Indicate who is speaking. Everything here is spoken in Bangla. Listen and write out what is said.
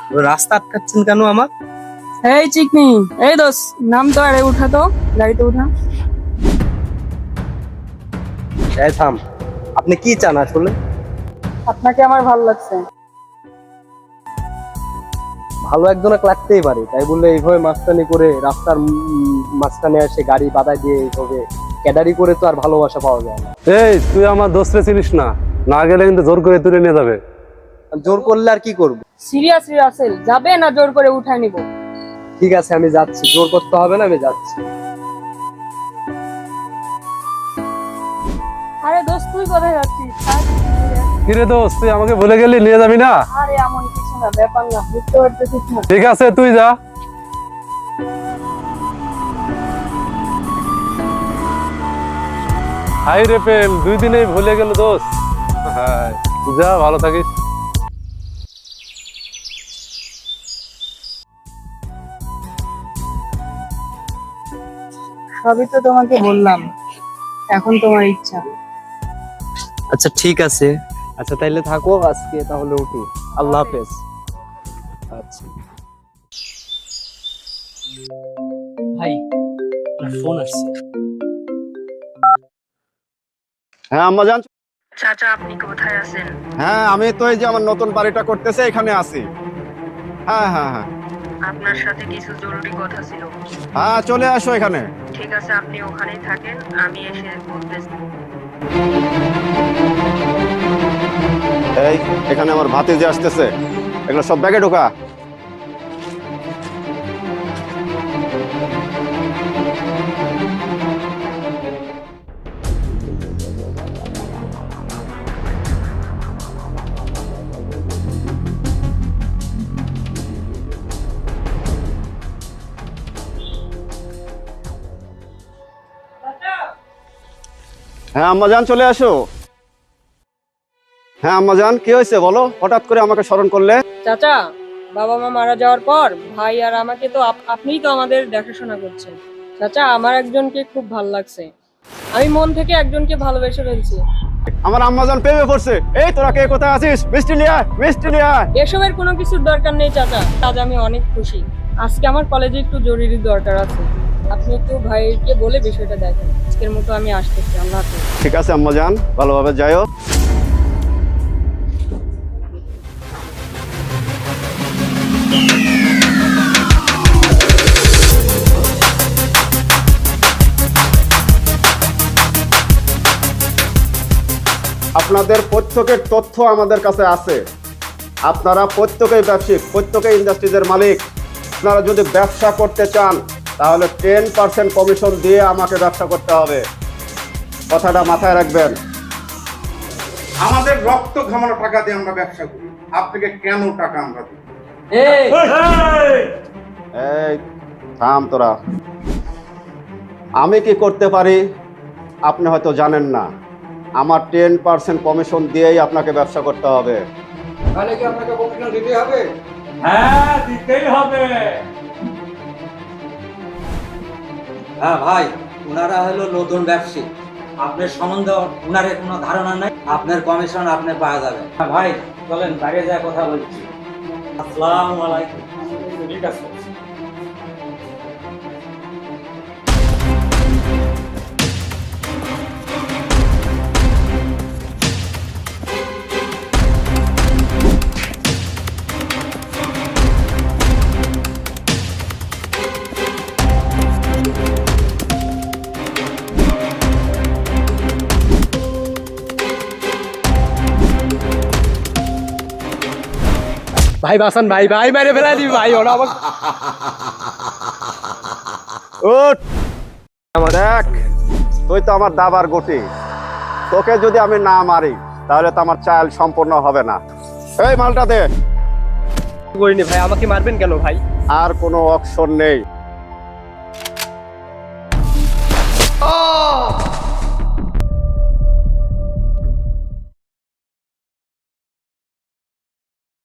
Speaker 1: রাস্তা আটকাচ্ছেন কেন আমার?
Speaker 2: এই চিকনি, এই দোস, নাম তো আরে উঠা তো, গাড়িতে উঠা।
Speaker 1: এই থাম, আপনি কি চান আসলে?
Speaker 2: আপনাকে আমার ভালো লাগছে।
Speaker 1: ভালো একজনকে লাগতেই পারে, তাই বললে এইভাবে মাঝখানে করে রাস্তার মাঝখানে এসে গাড়ি বাধা দিয়ে এইভাবে ক্যাডারি করে তো আর ভালোবাসা পাওয়া যায় না।
Speaker 3: এই তুই আমার দোস্তে চিনিস না, না গেলে কিন্তু জোর করে তুলে নিয়ে যাবে।
Speaker 1: জোর করলে আর কি করব?
Speaker 2: সিরিয়াসলি রাসেল, যাবে না জোর করে উঠায় নিব?
Speaker 1: ঠিক আছে, আমি যাচ্ছি, জোর করতে হবে না, আমি যাচ্ছি।
Speaker 2: আরে দোস্ত, তুই কোথায় যাচ্ছিস?
Speaker 3: কিরে দোস্ত, তুই আমাকে বলে গেলি নিয়ে যাবি না?
Speaker 2: আরে এমন কিছু না, ব্যাপার না, বুঝতে পারতেছিস না?
Speaker 3: ঠিক আছে তুই যা। হাই রে প্রেম, 2 দিনেই ভুলে গেল দোস্ত। হ্যাঁ, যা, ভালো থাকিস।
Speaker 2: সবই তো তোমাকে বললাম, এখন তোমার ইচ্ছা।
Speaker 1: আচ্ছা ঠিক আছে, আচ্ছা তাইলে থাকো, আজকে তাহলে উঠি। আল্লাহ হাফেজ। আচ্ছা ভাই, আপনার ফোন আসছে।
Speaker 4: হ্যাঁ আম্মা জান।
Speaker 2: চাচা, আপনি কোথায় আছেন?
Speaker 4: হ্যাঁ আমি তো এই যে আমার নতুন বাড়িটা করতেছে এখানে আছি। হ্যাঁ হ্যাঁ হ্যাঁ
Speaker 2: আপনার সাথে কিছু জরুরি কথা ছিল।
Speaker 4: হ্যাঁ চলে আসো এখানে।
Speaker 2: ঠিক আছে, আপনি ওখানেই থাকেন, আমি এসে বলতেছি।
Speaker 4: এই এখানে আমার ভাতিজি আসতেছে, এগুলো সব ব্যাগে ঢোকা। হ্যাঁ আম্মা জান চলে আসো। হ্যাঁ আম্মা জান, কি হয়েছে বলো, হঠাৎ করে আমাকে স্মরণ করলে?
Speaker 2: চাচা, বাবা মা মারা যাওয়ার পর ভাই আর আমাকে তো আপনিই তো আমাদের দেখাশোনা করছেন। চাচা, আমার একজনকে খুব ভালো লাগছে, আমি মন থেকে একজনকে ভালোবেসে ফেলছি।
Speaker 4: আমার আম্মা জান প্রেমে পড়ছে। এই তোরা কে কোথায় আছিস? মিষ্টি লিয়া, মিষ্টি লিয়া।
Speaker 2: এসবের কোনো কিছুর দরকার নেই চাচা, আজ আমি অনেক খুশি। আজকে আমার কলেজে একটু জরুরি দরকার আছে, আপনি একটু ভাইকে বলে বিষয়টা দেখেন। আজকের মতো আমি আসতেছি, আল্লাহ হাফেজ।
Speaker 4: ঠিক আছে আম্মা জান, ভালোভাবে যাইও। আপনাদের প্রত্যেকের তথ্য আমাদের কাছে আছে। আপনারা প্রত্যেকেই ব্যবসায়িক, প্রত্যেকেই ইন্ডাস্ট্রিজের মালিক। আপনারা যদি ব্যবসা করতে চান তাহলে 10% কমিশন দিয়ে আমাকে ব্যবসা করতে হবে, কথাটা মাথায় রাখবেন।
Speaker 5: আমাদের রক্ত ঘামানো টাকা দিয়ে আমরা ব্যবসা করি, আপনাকে কেন টাকা আমরা দিই?
Speaker 4: এই থাম তোরা। আমি কি করতে পারি আপনি হয়তো জানেন না। আমার 10% কমিশন দিয়েই আপনাকে ব্যবসা করতে হবে।
Speaker 5: তাহলে কি আপনাকে কমিশন দিতে হবে?
Speaker 6: হ্যাঁ, দিতেই হবে। হ্যাঁ ভাই, ওনারা হলো নতুন ব্যবসায়ী, আপনার সম্বন্ধে ওনারের কোনো ধারণা নাই, আপনার কমিশন আপনি পাওয়া যাবে। হ্যাঁ ভাই, চলেন বাইরে যা কথা বলছি। আসসালামু আলাইকুম। ঠিক আছে।
Speaker 1: ভাই বাসান, ভাই ভাই মেরে ফেলা দিবি ভাই, ওরা আমার।
Speaker 4: উঠ, দেখ তুই তো আমার দাবার গুটি, তোকে যদি আমি না মারি তাহলে তো আমার চাল সম্পূর্ণ হবে না। এই মালটা দে।
Speaker 1: করিনি ভাই, আমাকে মারবেন কেন ভাই?
Speaker 4: আর কোনো অপশন নেই।